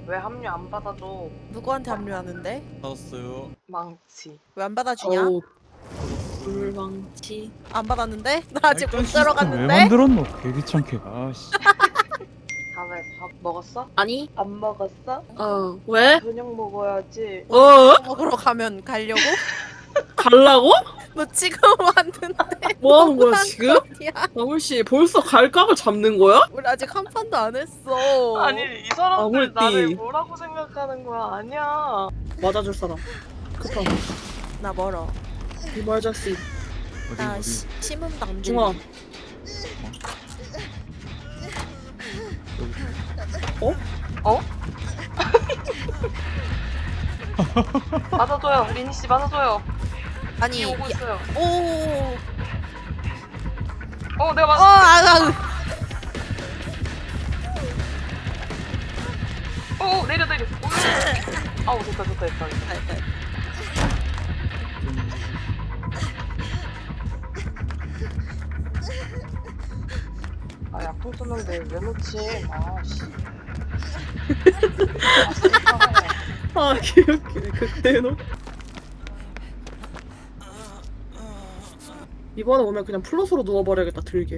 왜 합류 안 받아줘? 누구한테 합류하는데? 받았어요. 망치. 왜 안 받아주냐? 어우 불망치. 안 받았는데? 나 아직 일단 못 시스템 왜 들어갔는데? 만들었노? 개 귀찮게. 아씨. 다음에 밥 먹었어? 아니? 안 먹었어? 왜? 저녁 먹어야지. 먹으러 가면 가려고? 갈라고? 너 지금 왔는데 뭐 하는 거야 너무한 지금? 거 아니야? 나물씨 벌써 갈각을 잡는 거야? 우리 아직 한 판도 안 했어. 아니 이 사람들 아무리 나를 띠. 뭐라고 생각하는 거야? 아니야. 맞아줄 사람. 급하고. 나 멀어. 이말자씨. 나 어디? 심음도 안 중아. 들려. 어? 맞아줘요. 리니 씨 맞아줘요. 아니 이 오고 있어요. 오. 내가 맞아. 내려. 아우 됐다. 아 약통 썼는데 왜 놓지? 아씨. 아 개웃기네 그때는. 이번에 오면 그냥 플러스로 누워버려야겠다 들게.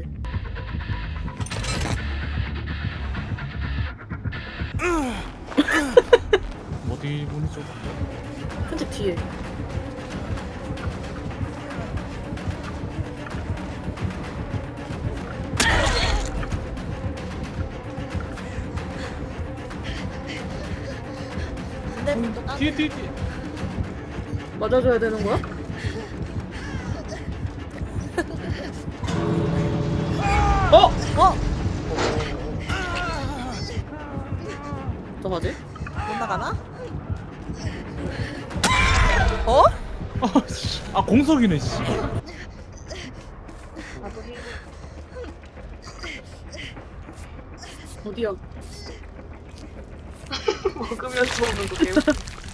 어디 보내줘? 편집 뒤에. 근데 문도 까. 뒤에. 맞아줘야 되는 거야? 어? 어떡하지? 못 나가나? 어? 아씨. 아 공석이네 씨. 나도 해. 어디야? 먹으면서 오는 거 개웃겨.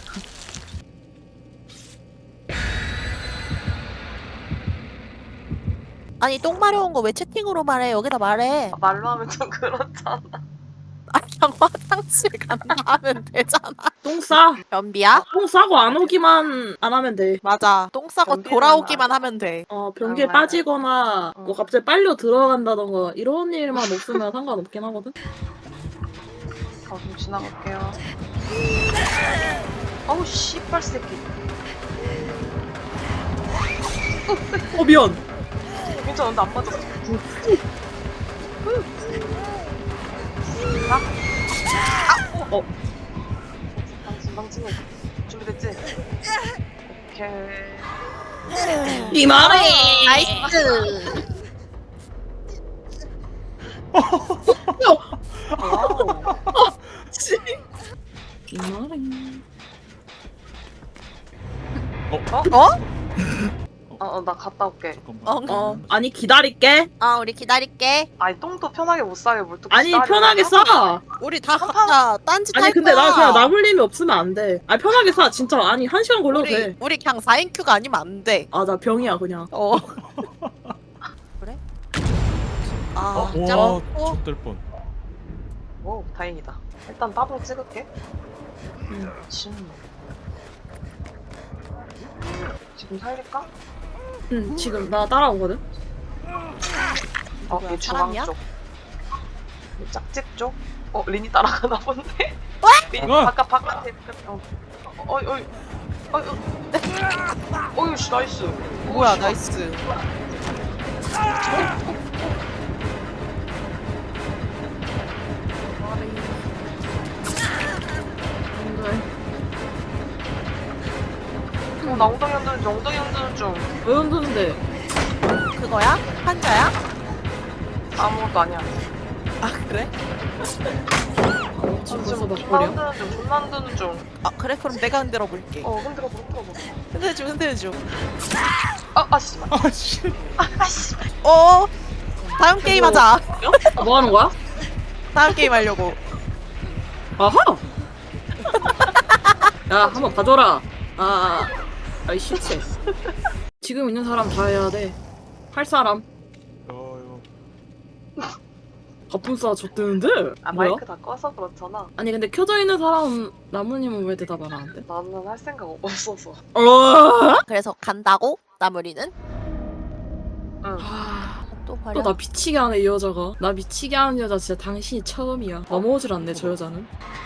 아니 똥 마려운 거 왜 채팅으로 말해? 여기다 말해. 말로 하면 좀 그렇잖아. 아 그냥 화장실 간다 하면 되잖아. 똥 싸. 연비야? 똥 싸고 안 오기만 안 하면 돼. 맞아. 똥 싸고 연비는 돌아오기만 하면 돼. 변기에 정말. 빠지거나 뭐 갑자기 빨려 들어간다던가 이런 일만 없으면 상관없긴 하거든. 좀 지나갈게요. 어우 씨발 새끼. 미안. 괜찮아, 나안 맞았어. 방치는 준비됐지? 오케이. 이 말해. 나이스. 와우. 이 말해. 나 갔다 올게. 잠깐만. 아니 기다릴게. 우리 기다릴게. 아니 똥도 편하게 못 싸게 뭘 또 아니 기다려. 편하게 싸. 우리 다 각자 딴짓 할 아니 근데 거야. 나 그냥 나물림이 없으면 안 돼. 아니 편하게 싸 진짜. 아니 1시간 걸려도 돼. 우리 그냥 4인큐가 아니면 안 돼. 아 나 병이야 그냥. 그래? 와, 짱. 좆될 뻔. 오, 다행이다. 일단 따봉 찍을게. 지금 살릴까? 응 지금 나 따라오거든. 뭐야, 얘 중앙 사람이야? 쪽. 얘 짝집 쪽? 리니 따라가나 본데? 리니 바깥에. 씨, 나이스. 뭐야 나이스. 나 엉덩이 흔드는 중. 왜 흔드는데? 그거야? 환자야? 아무것도 아니야. 아 그래? 지금 지금 벌써 존나 막 흔드는 중, 존나 흔드는 중. 그래? 그럼 내가 흔들어 볼게. 흔들어 봐. 흔들어줘. 씨발. 아씨. 씨. 다음 게임 하자. 뭐 하는 거야? 다음 게임 하려고. 아하. 야 한번 봐줘라. 아이 시체. 지금 있는 사람 다 해야 돼. 할 사람. 갑분싸 줬대는데? 아 뭐야? 마이크 다 꺼서 그렇잖아. 아니 근데 켜져 있는 사람 나무님은 왜 대답 안 하는데? 나는 할 생각 없어서. 그래서 간다고? 나무리는? 응. 또 버려. 또 나 미치게 하네 이 여자가. 나 미치게 하는 여자 진짜 당신이 처음이야. 넘어오질 않네 저 여자는.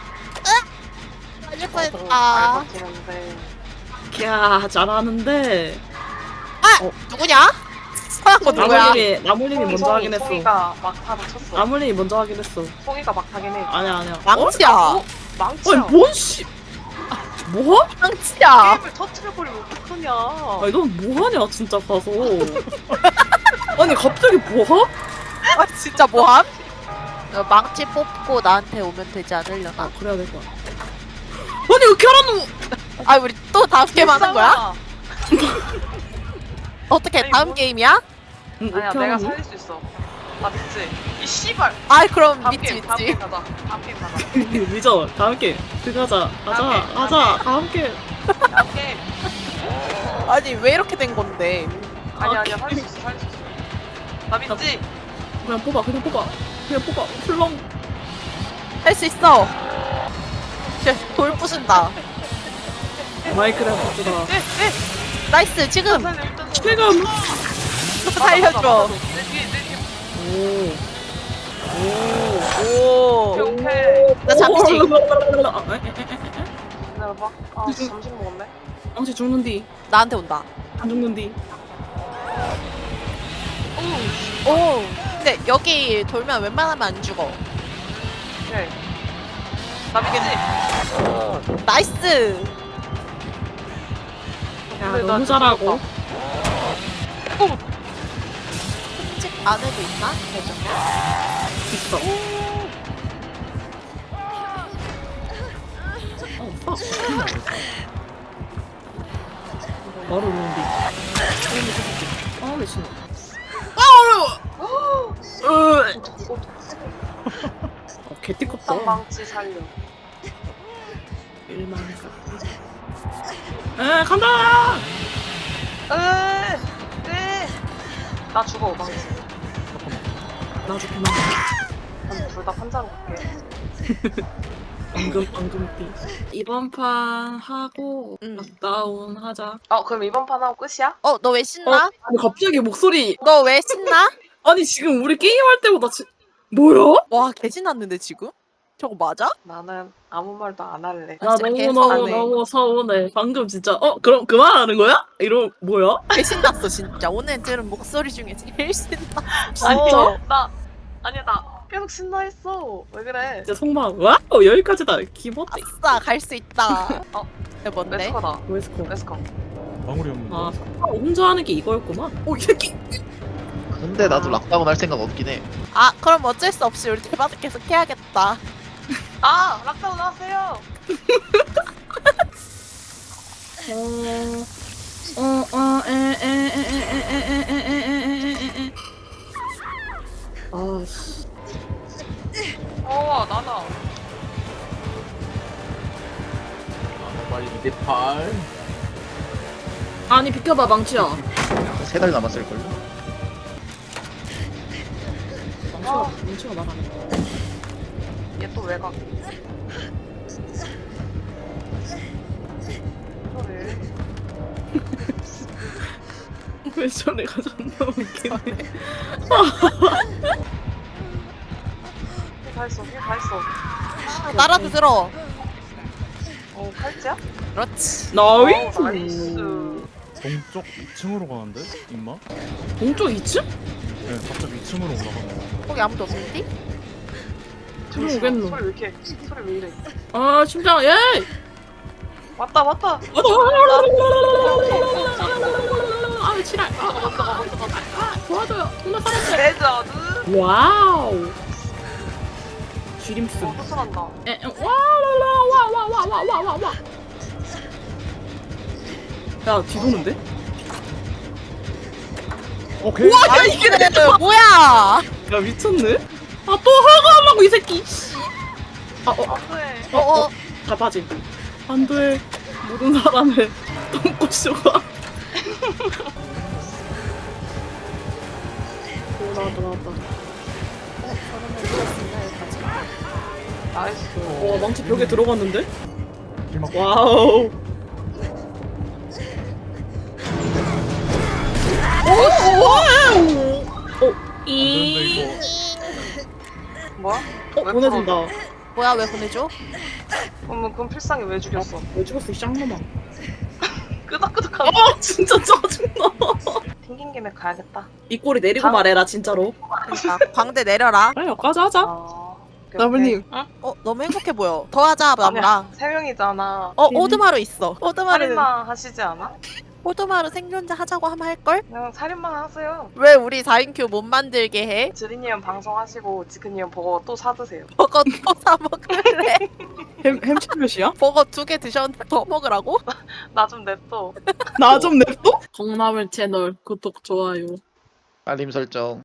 빨리 잘 뻔했다. 버티는데. 야 잘하는데. 누구냐? 서양 거 누구야? 나무님이 먼저 하긴 했어. 송이가 막타를 쳤어. 나무님이 먼저 하긴 했어. 송이가 막타긴 해. 아니야. 망치야. 망치야. 아니 뭔 씨. 뭐? 망치야. 게임을 터트려버리면 어떡하냐. 아니 넌 뭐하냐 진짜 가서. 아니 갑자기 뭐하? 아 진짜 뭐함? 망치 뽑고 나한테 오면 되지 않으려나? 아 그래야 될 거야. 아니 왜 캐라노? 아 우리 또 다음 게임 하는 거야? 어떻게 아니, 다음 뭐- 게임이야? 응, 아니야 어떻게 내가 하니? 살릴 수 있어. 나 믿지? 이 씨발. 아이 그럼 다음 믿지 게임 다음 믿지. 게임 가자. 다음 게임 가자. 늦어. 다음 게임. 들어가자. 다음 게임, 다음 게임. 다음 게임. 아니 왜 이렇게 된 건데? 아니야 살릴 수 있어 살릴 수 있어. 나 믿지? 그냥 뽑아. 훌렁. 할 수 있어. 돌 부순다. 마이크를 바꾸다. 나이스 지금 지금. 살려줘. 내 뒤에 오. 오. 오케이. 나 잠시. 기다려봐. 아 점심 먹었네. 당신 죽는디. 나한테 온다. 안 죽는디. 오. 근데 여기 돌면 웬만하면 안 죽어. 오케이. 나 믿지? 나이스. 야 근데 나 너무 진짜 잘하고. 어렵다. 집 안에도 있나? 대전에? 있어. 바로 오는디. 아 미친. 개띠껍다. 땅망치 살려. 일만가. 에 간다. 네. 나 죽어 망치. 나 죽구나. 둘다 판자로 갈게. 엉금띠. 이번 판 하고 응. 락다운 하자. 그럼 이번 판 하고 끝이야? 너 왜 신나? 아니 갑자기 목소리. 너 왜 신나? 아니 지금 우리 게임할 때보다 뭐야? 와 개신났는데 지금? 저거 맞아? 나는 아무 말도 안 할래. 나 진짜 너무 개서운해. 서운해. 방금 진짜 그럼 그만하는 거야? 이러 뭐야? 개신났어 진짜. 오늘 들은 목소리 중에 제일 신나. 진짜? 아니야 나 계속 신나했어. 왜 그래? 진짜 속마음. 와우 여기까지다. 기본띠. 아싸 갈 수 있다. 어. 이게 뭔데? 웨스커다. 웨스코. 웨스커. 마무리 없는 아 거. 혼자 하는 게 이거였구만. 오 이 새끼. 근데 나도 락다운 할 생각 없긴 해. 아 그럼 어쩔 수 없이 우리 대바도 계속 해야겠다. 락다운 하세요. 아씨. 나나. 빨리 2대8. 아니 비켜봐 망치야. 3달 남았을걸요? 망치가 나가네. 얘 또 왜 가? 그래. 왜 저래가 존나 웃기네. 다 했어. 나라도 들어. 팔찌야? 그렇지. 나이스. 나이스. 동쪽 2층으로 가는데? 임마? 동쪽 2층? 네, 갑자기 2층으로 올라가네. 거기 아무도 없는디? 들어오겠노. 소리 왜 이렇게? 소리 왜 이래? 아 심장 예. 왔다. 아 지랄. 도와줘요. 존나 사람들. 레전드. 와우. 쥐림스. 부스란다. 와와와와와와와와. 야 뒤도는데? 오케이. 아 이게 뭐야? 야 미쳤네. 아 또 하가하려고 이 새끼. 안돼. 다 빠짐. 안돼. 모든 사람의 똥꼬쇼가. 나왔다. 찍었습니다 여기까지. 나이스. 와 망치 벽에 들어갔는데? 길막. 와우. 이. 이거. 뭐야? 왜 보내준다. 뭐야 왜 보내줘? 그럼 필상이 왜 죽였어? 왜 죽었어 이 쌍놈아. 끄덕끄덕하네. 아 진짜 짜증나. 튕긴 김에 가야겠다. 이 꼴이 내리고 당- 말해라 진짜로. 그러니까 광대 내려라. 빨리 여기까지 하자. 오케이, 나블님. 오케이. 응? 너무 행복해 보여. 더 하자 아니야, 나무랑. 세 명이잖아. 오드마루 있어. 오드마루 살인마 하시지 않아? 오드마루 생존자 하자고 하면 할걸? 그냥 살인마 하세요. 왜 우리 4인큐 못 만들게 해? 지리님 방송하시고 지크님 버거 또 사드세요. 버거 또 사 먹을래? 햄치몇이야? 버거 2개 드셨는데 더 먹으라고? 나 좀 냅둬. 나 좀 냅둬? 콩나물 채널 구독 좋아요. 알림 설정.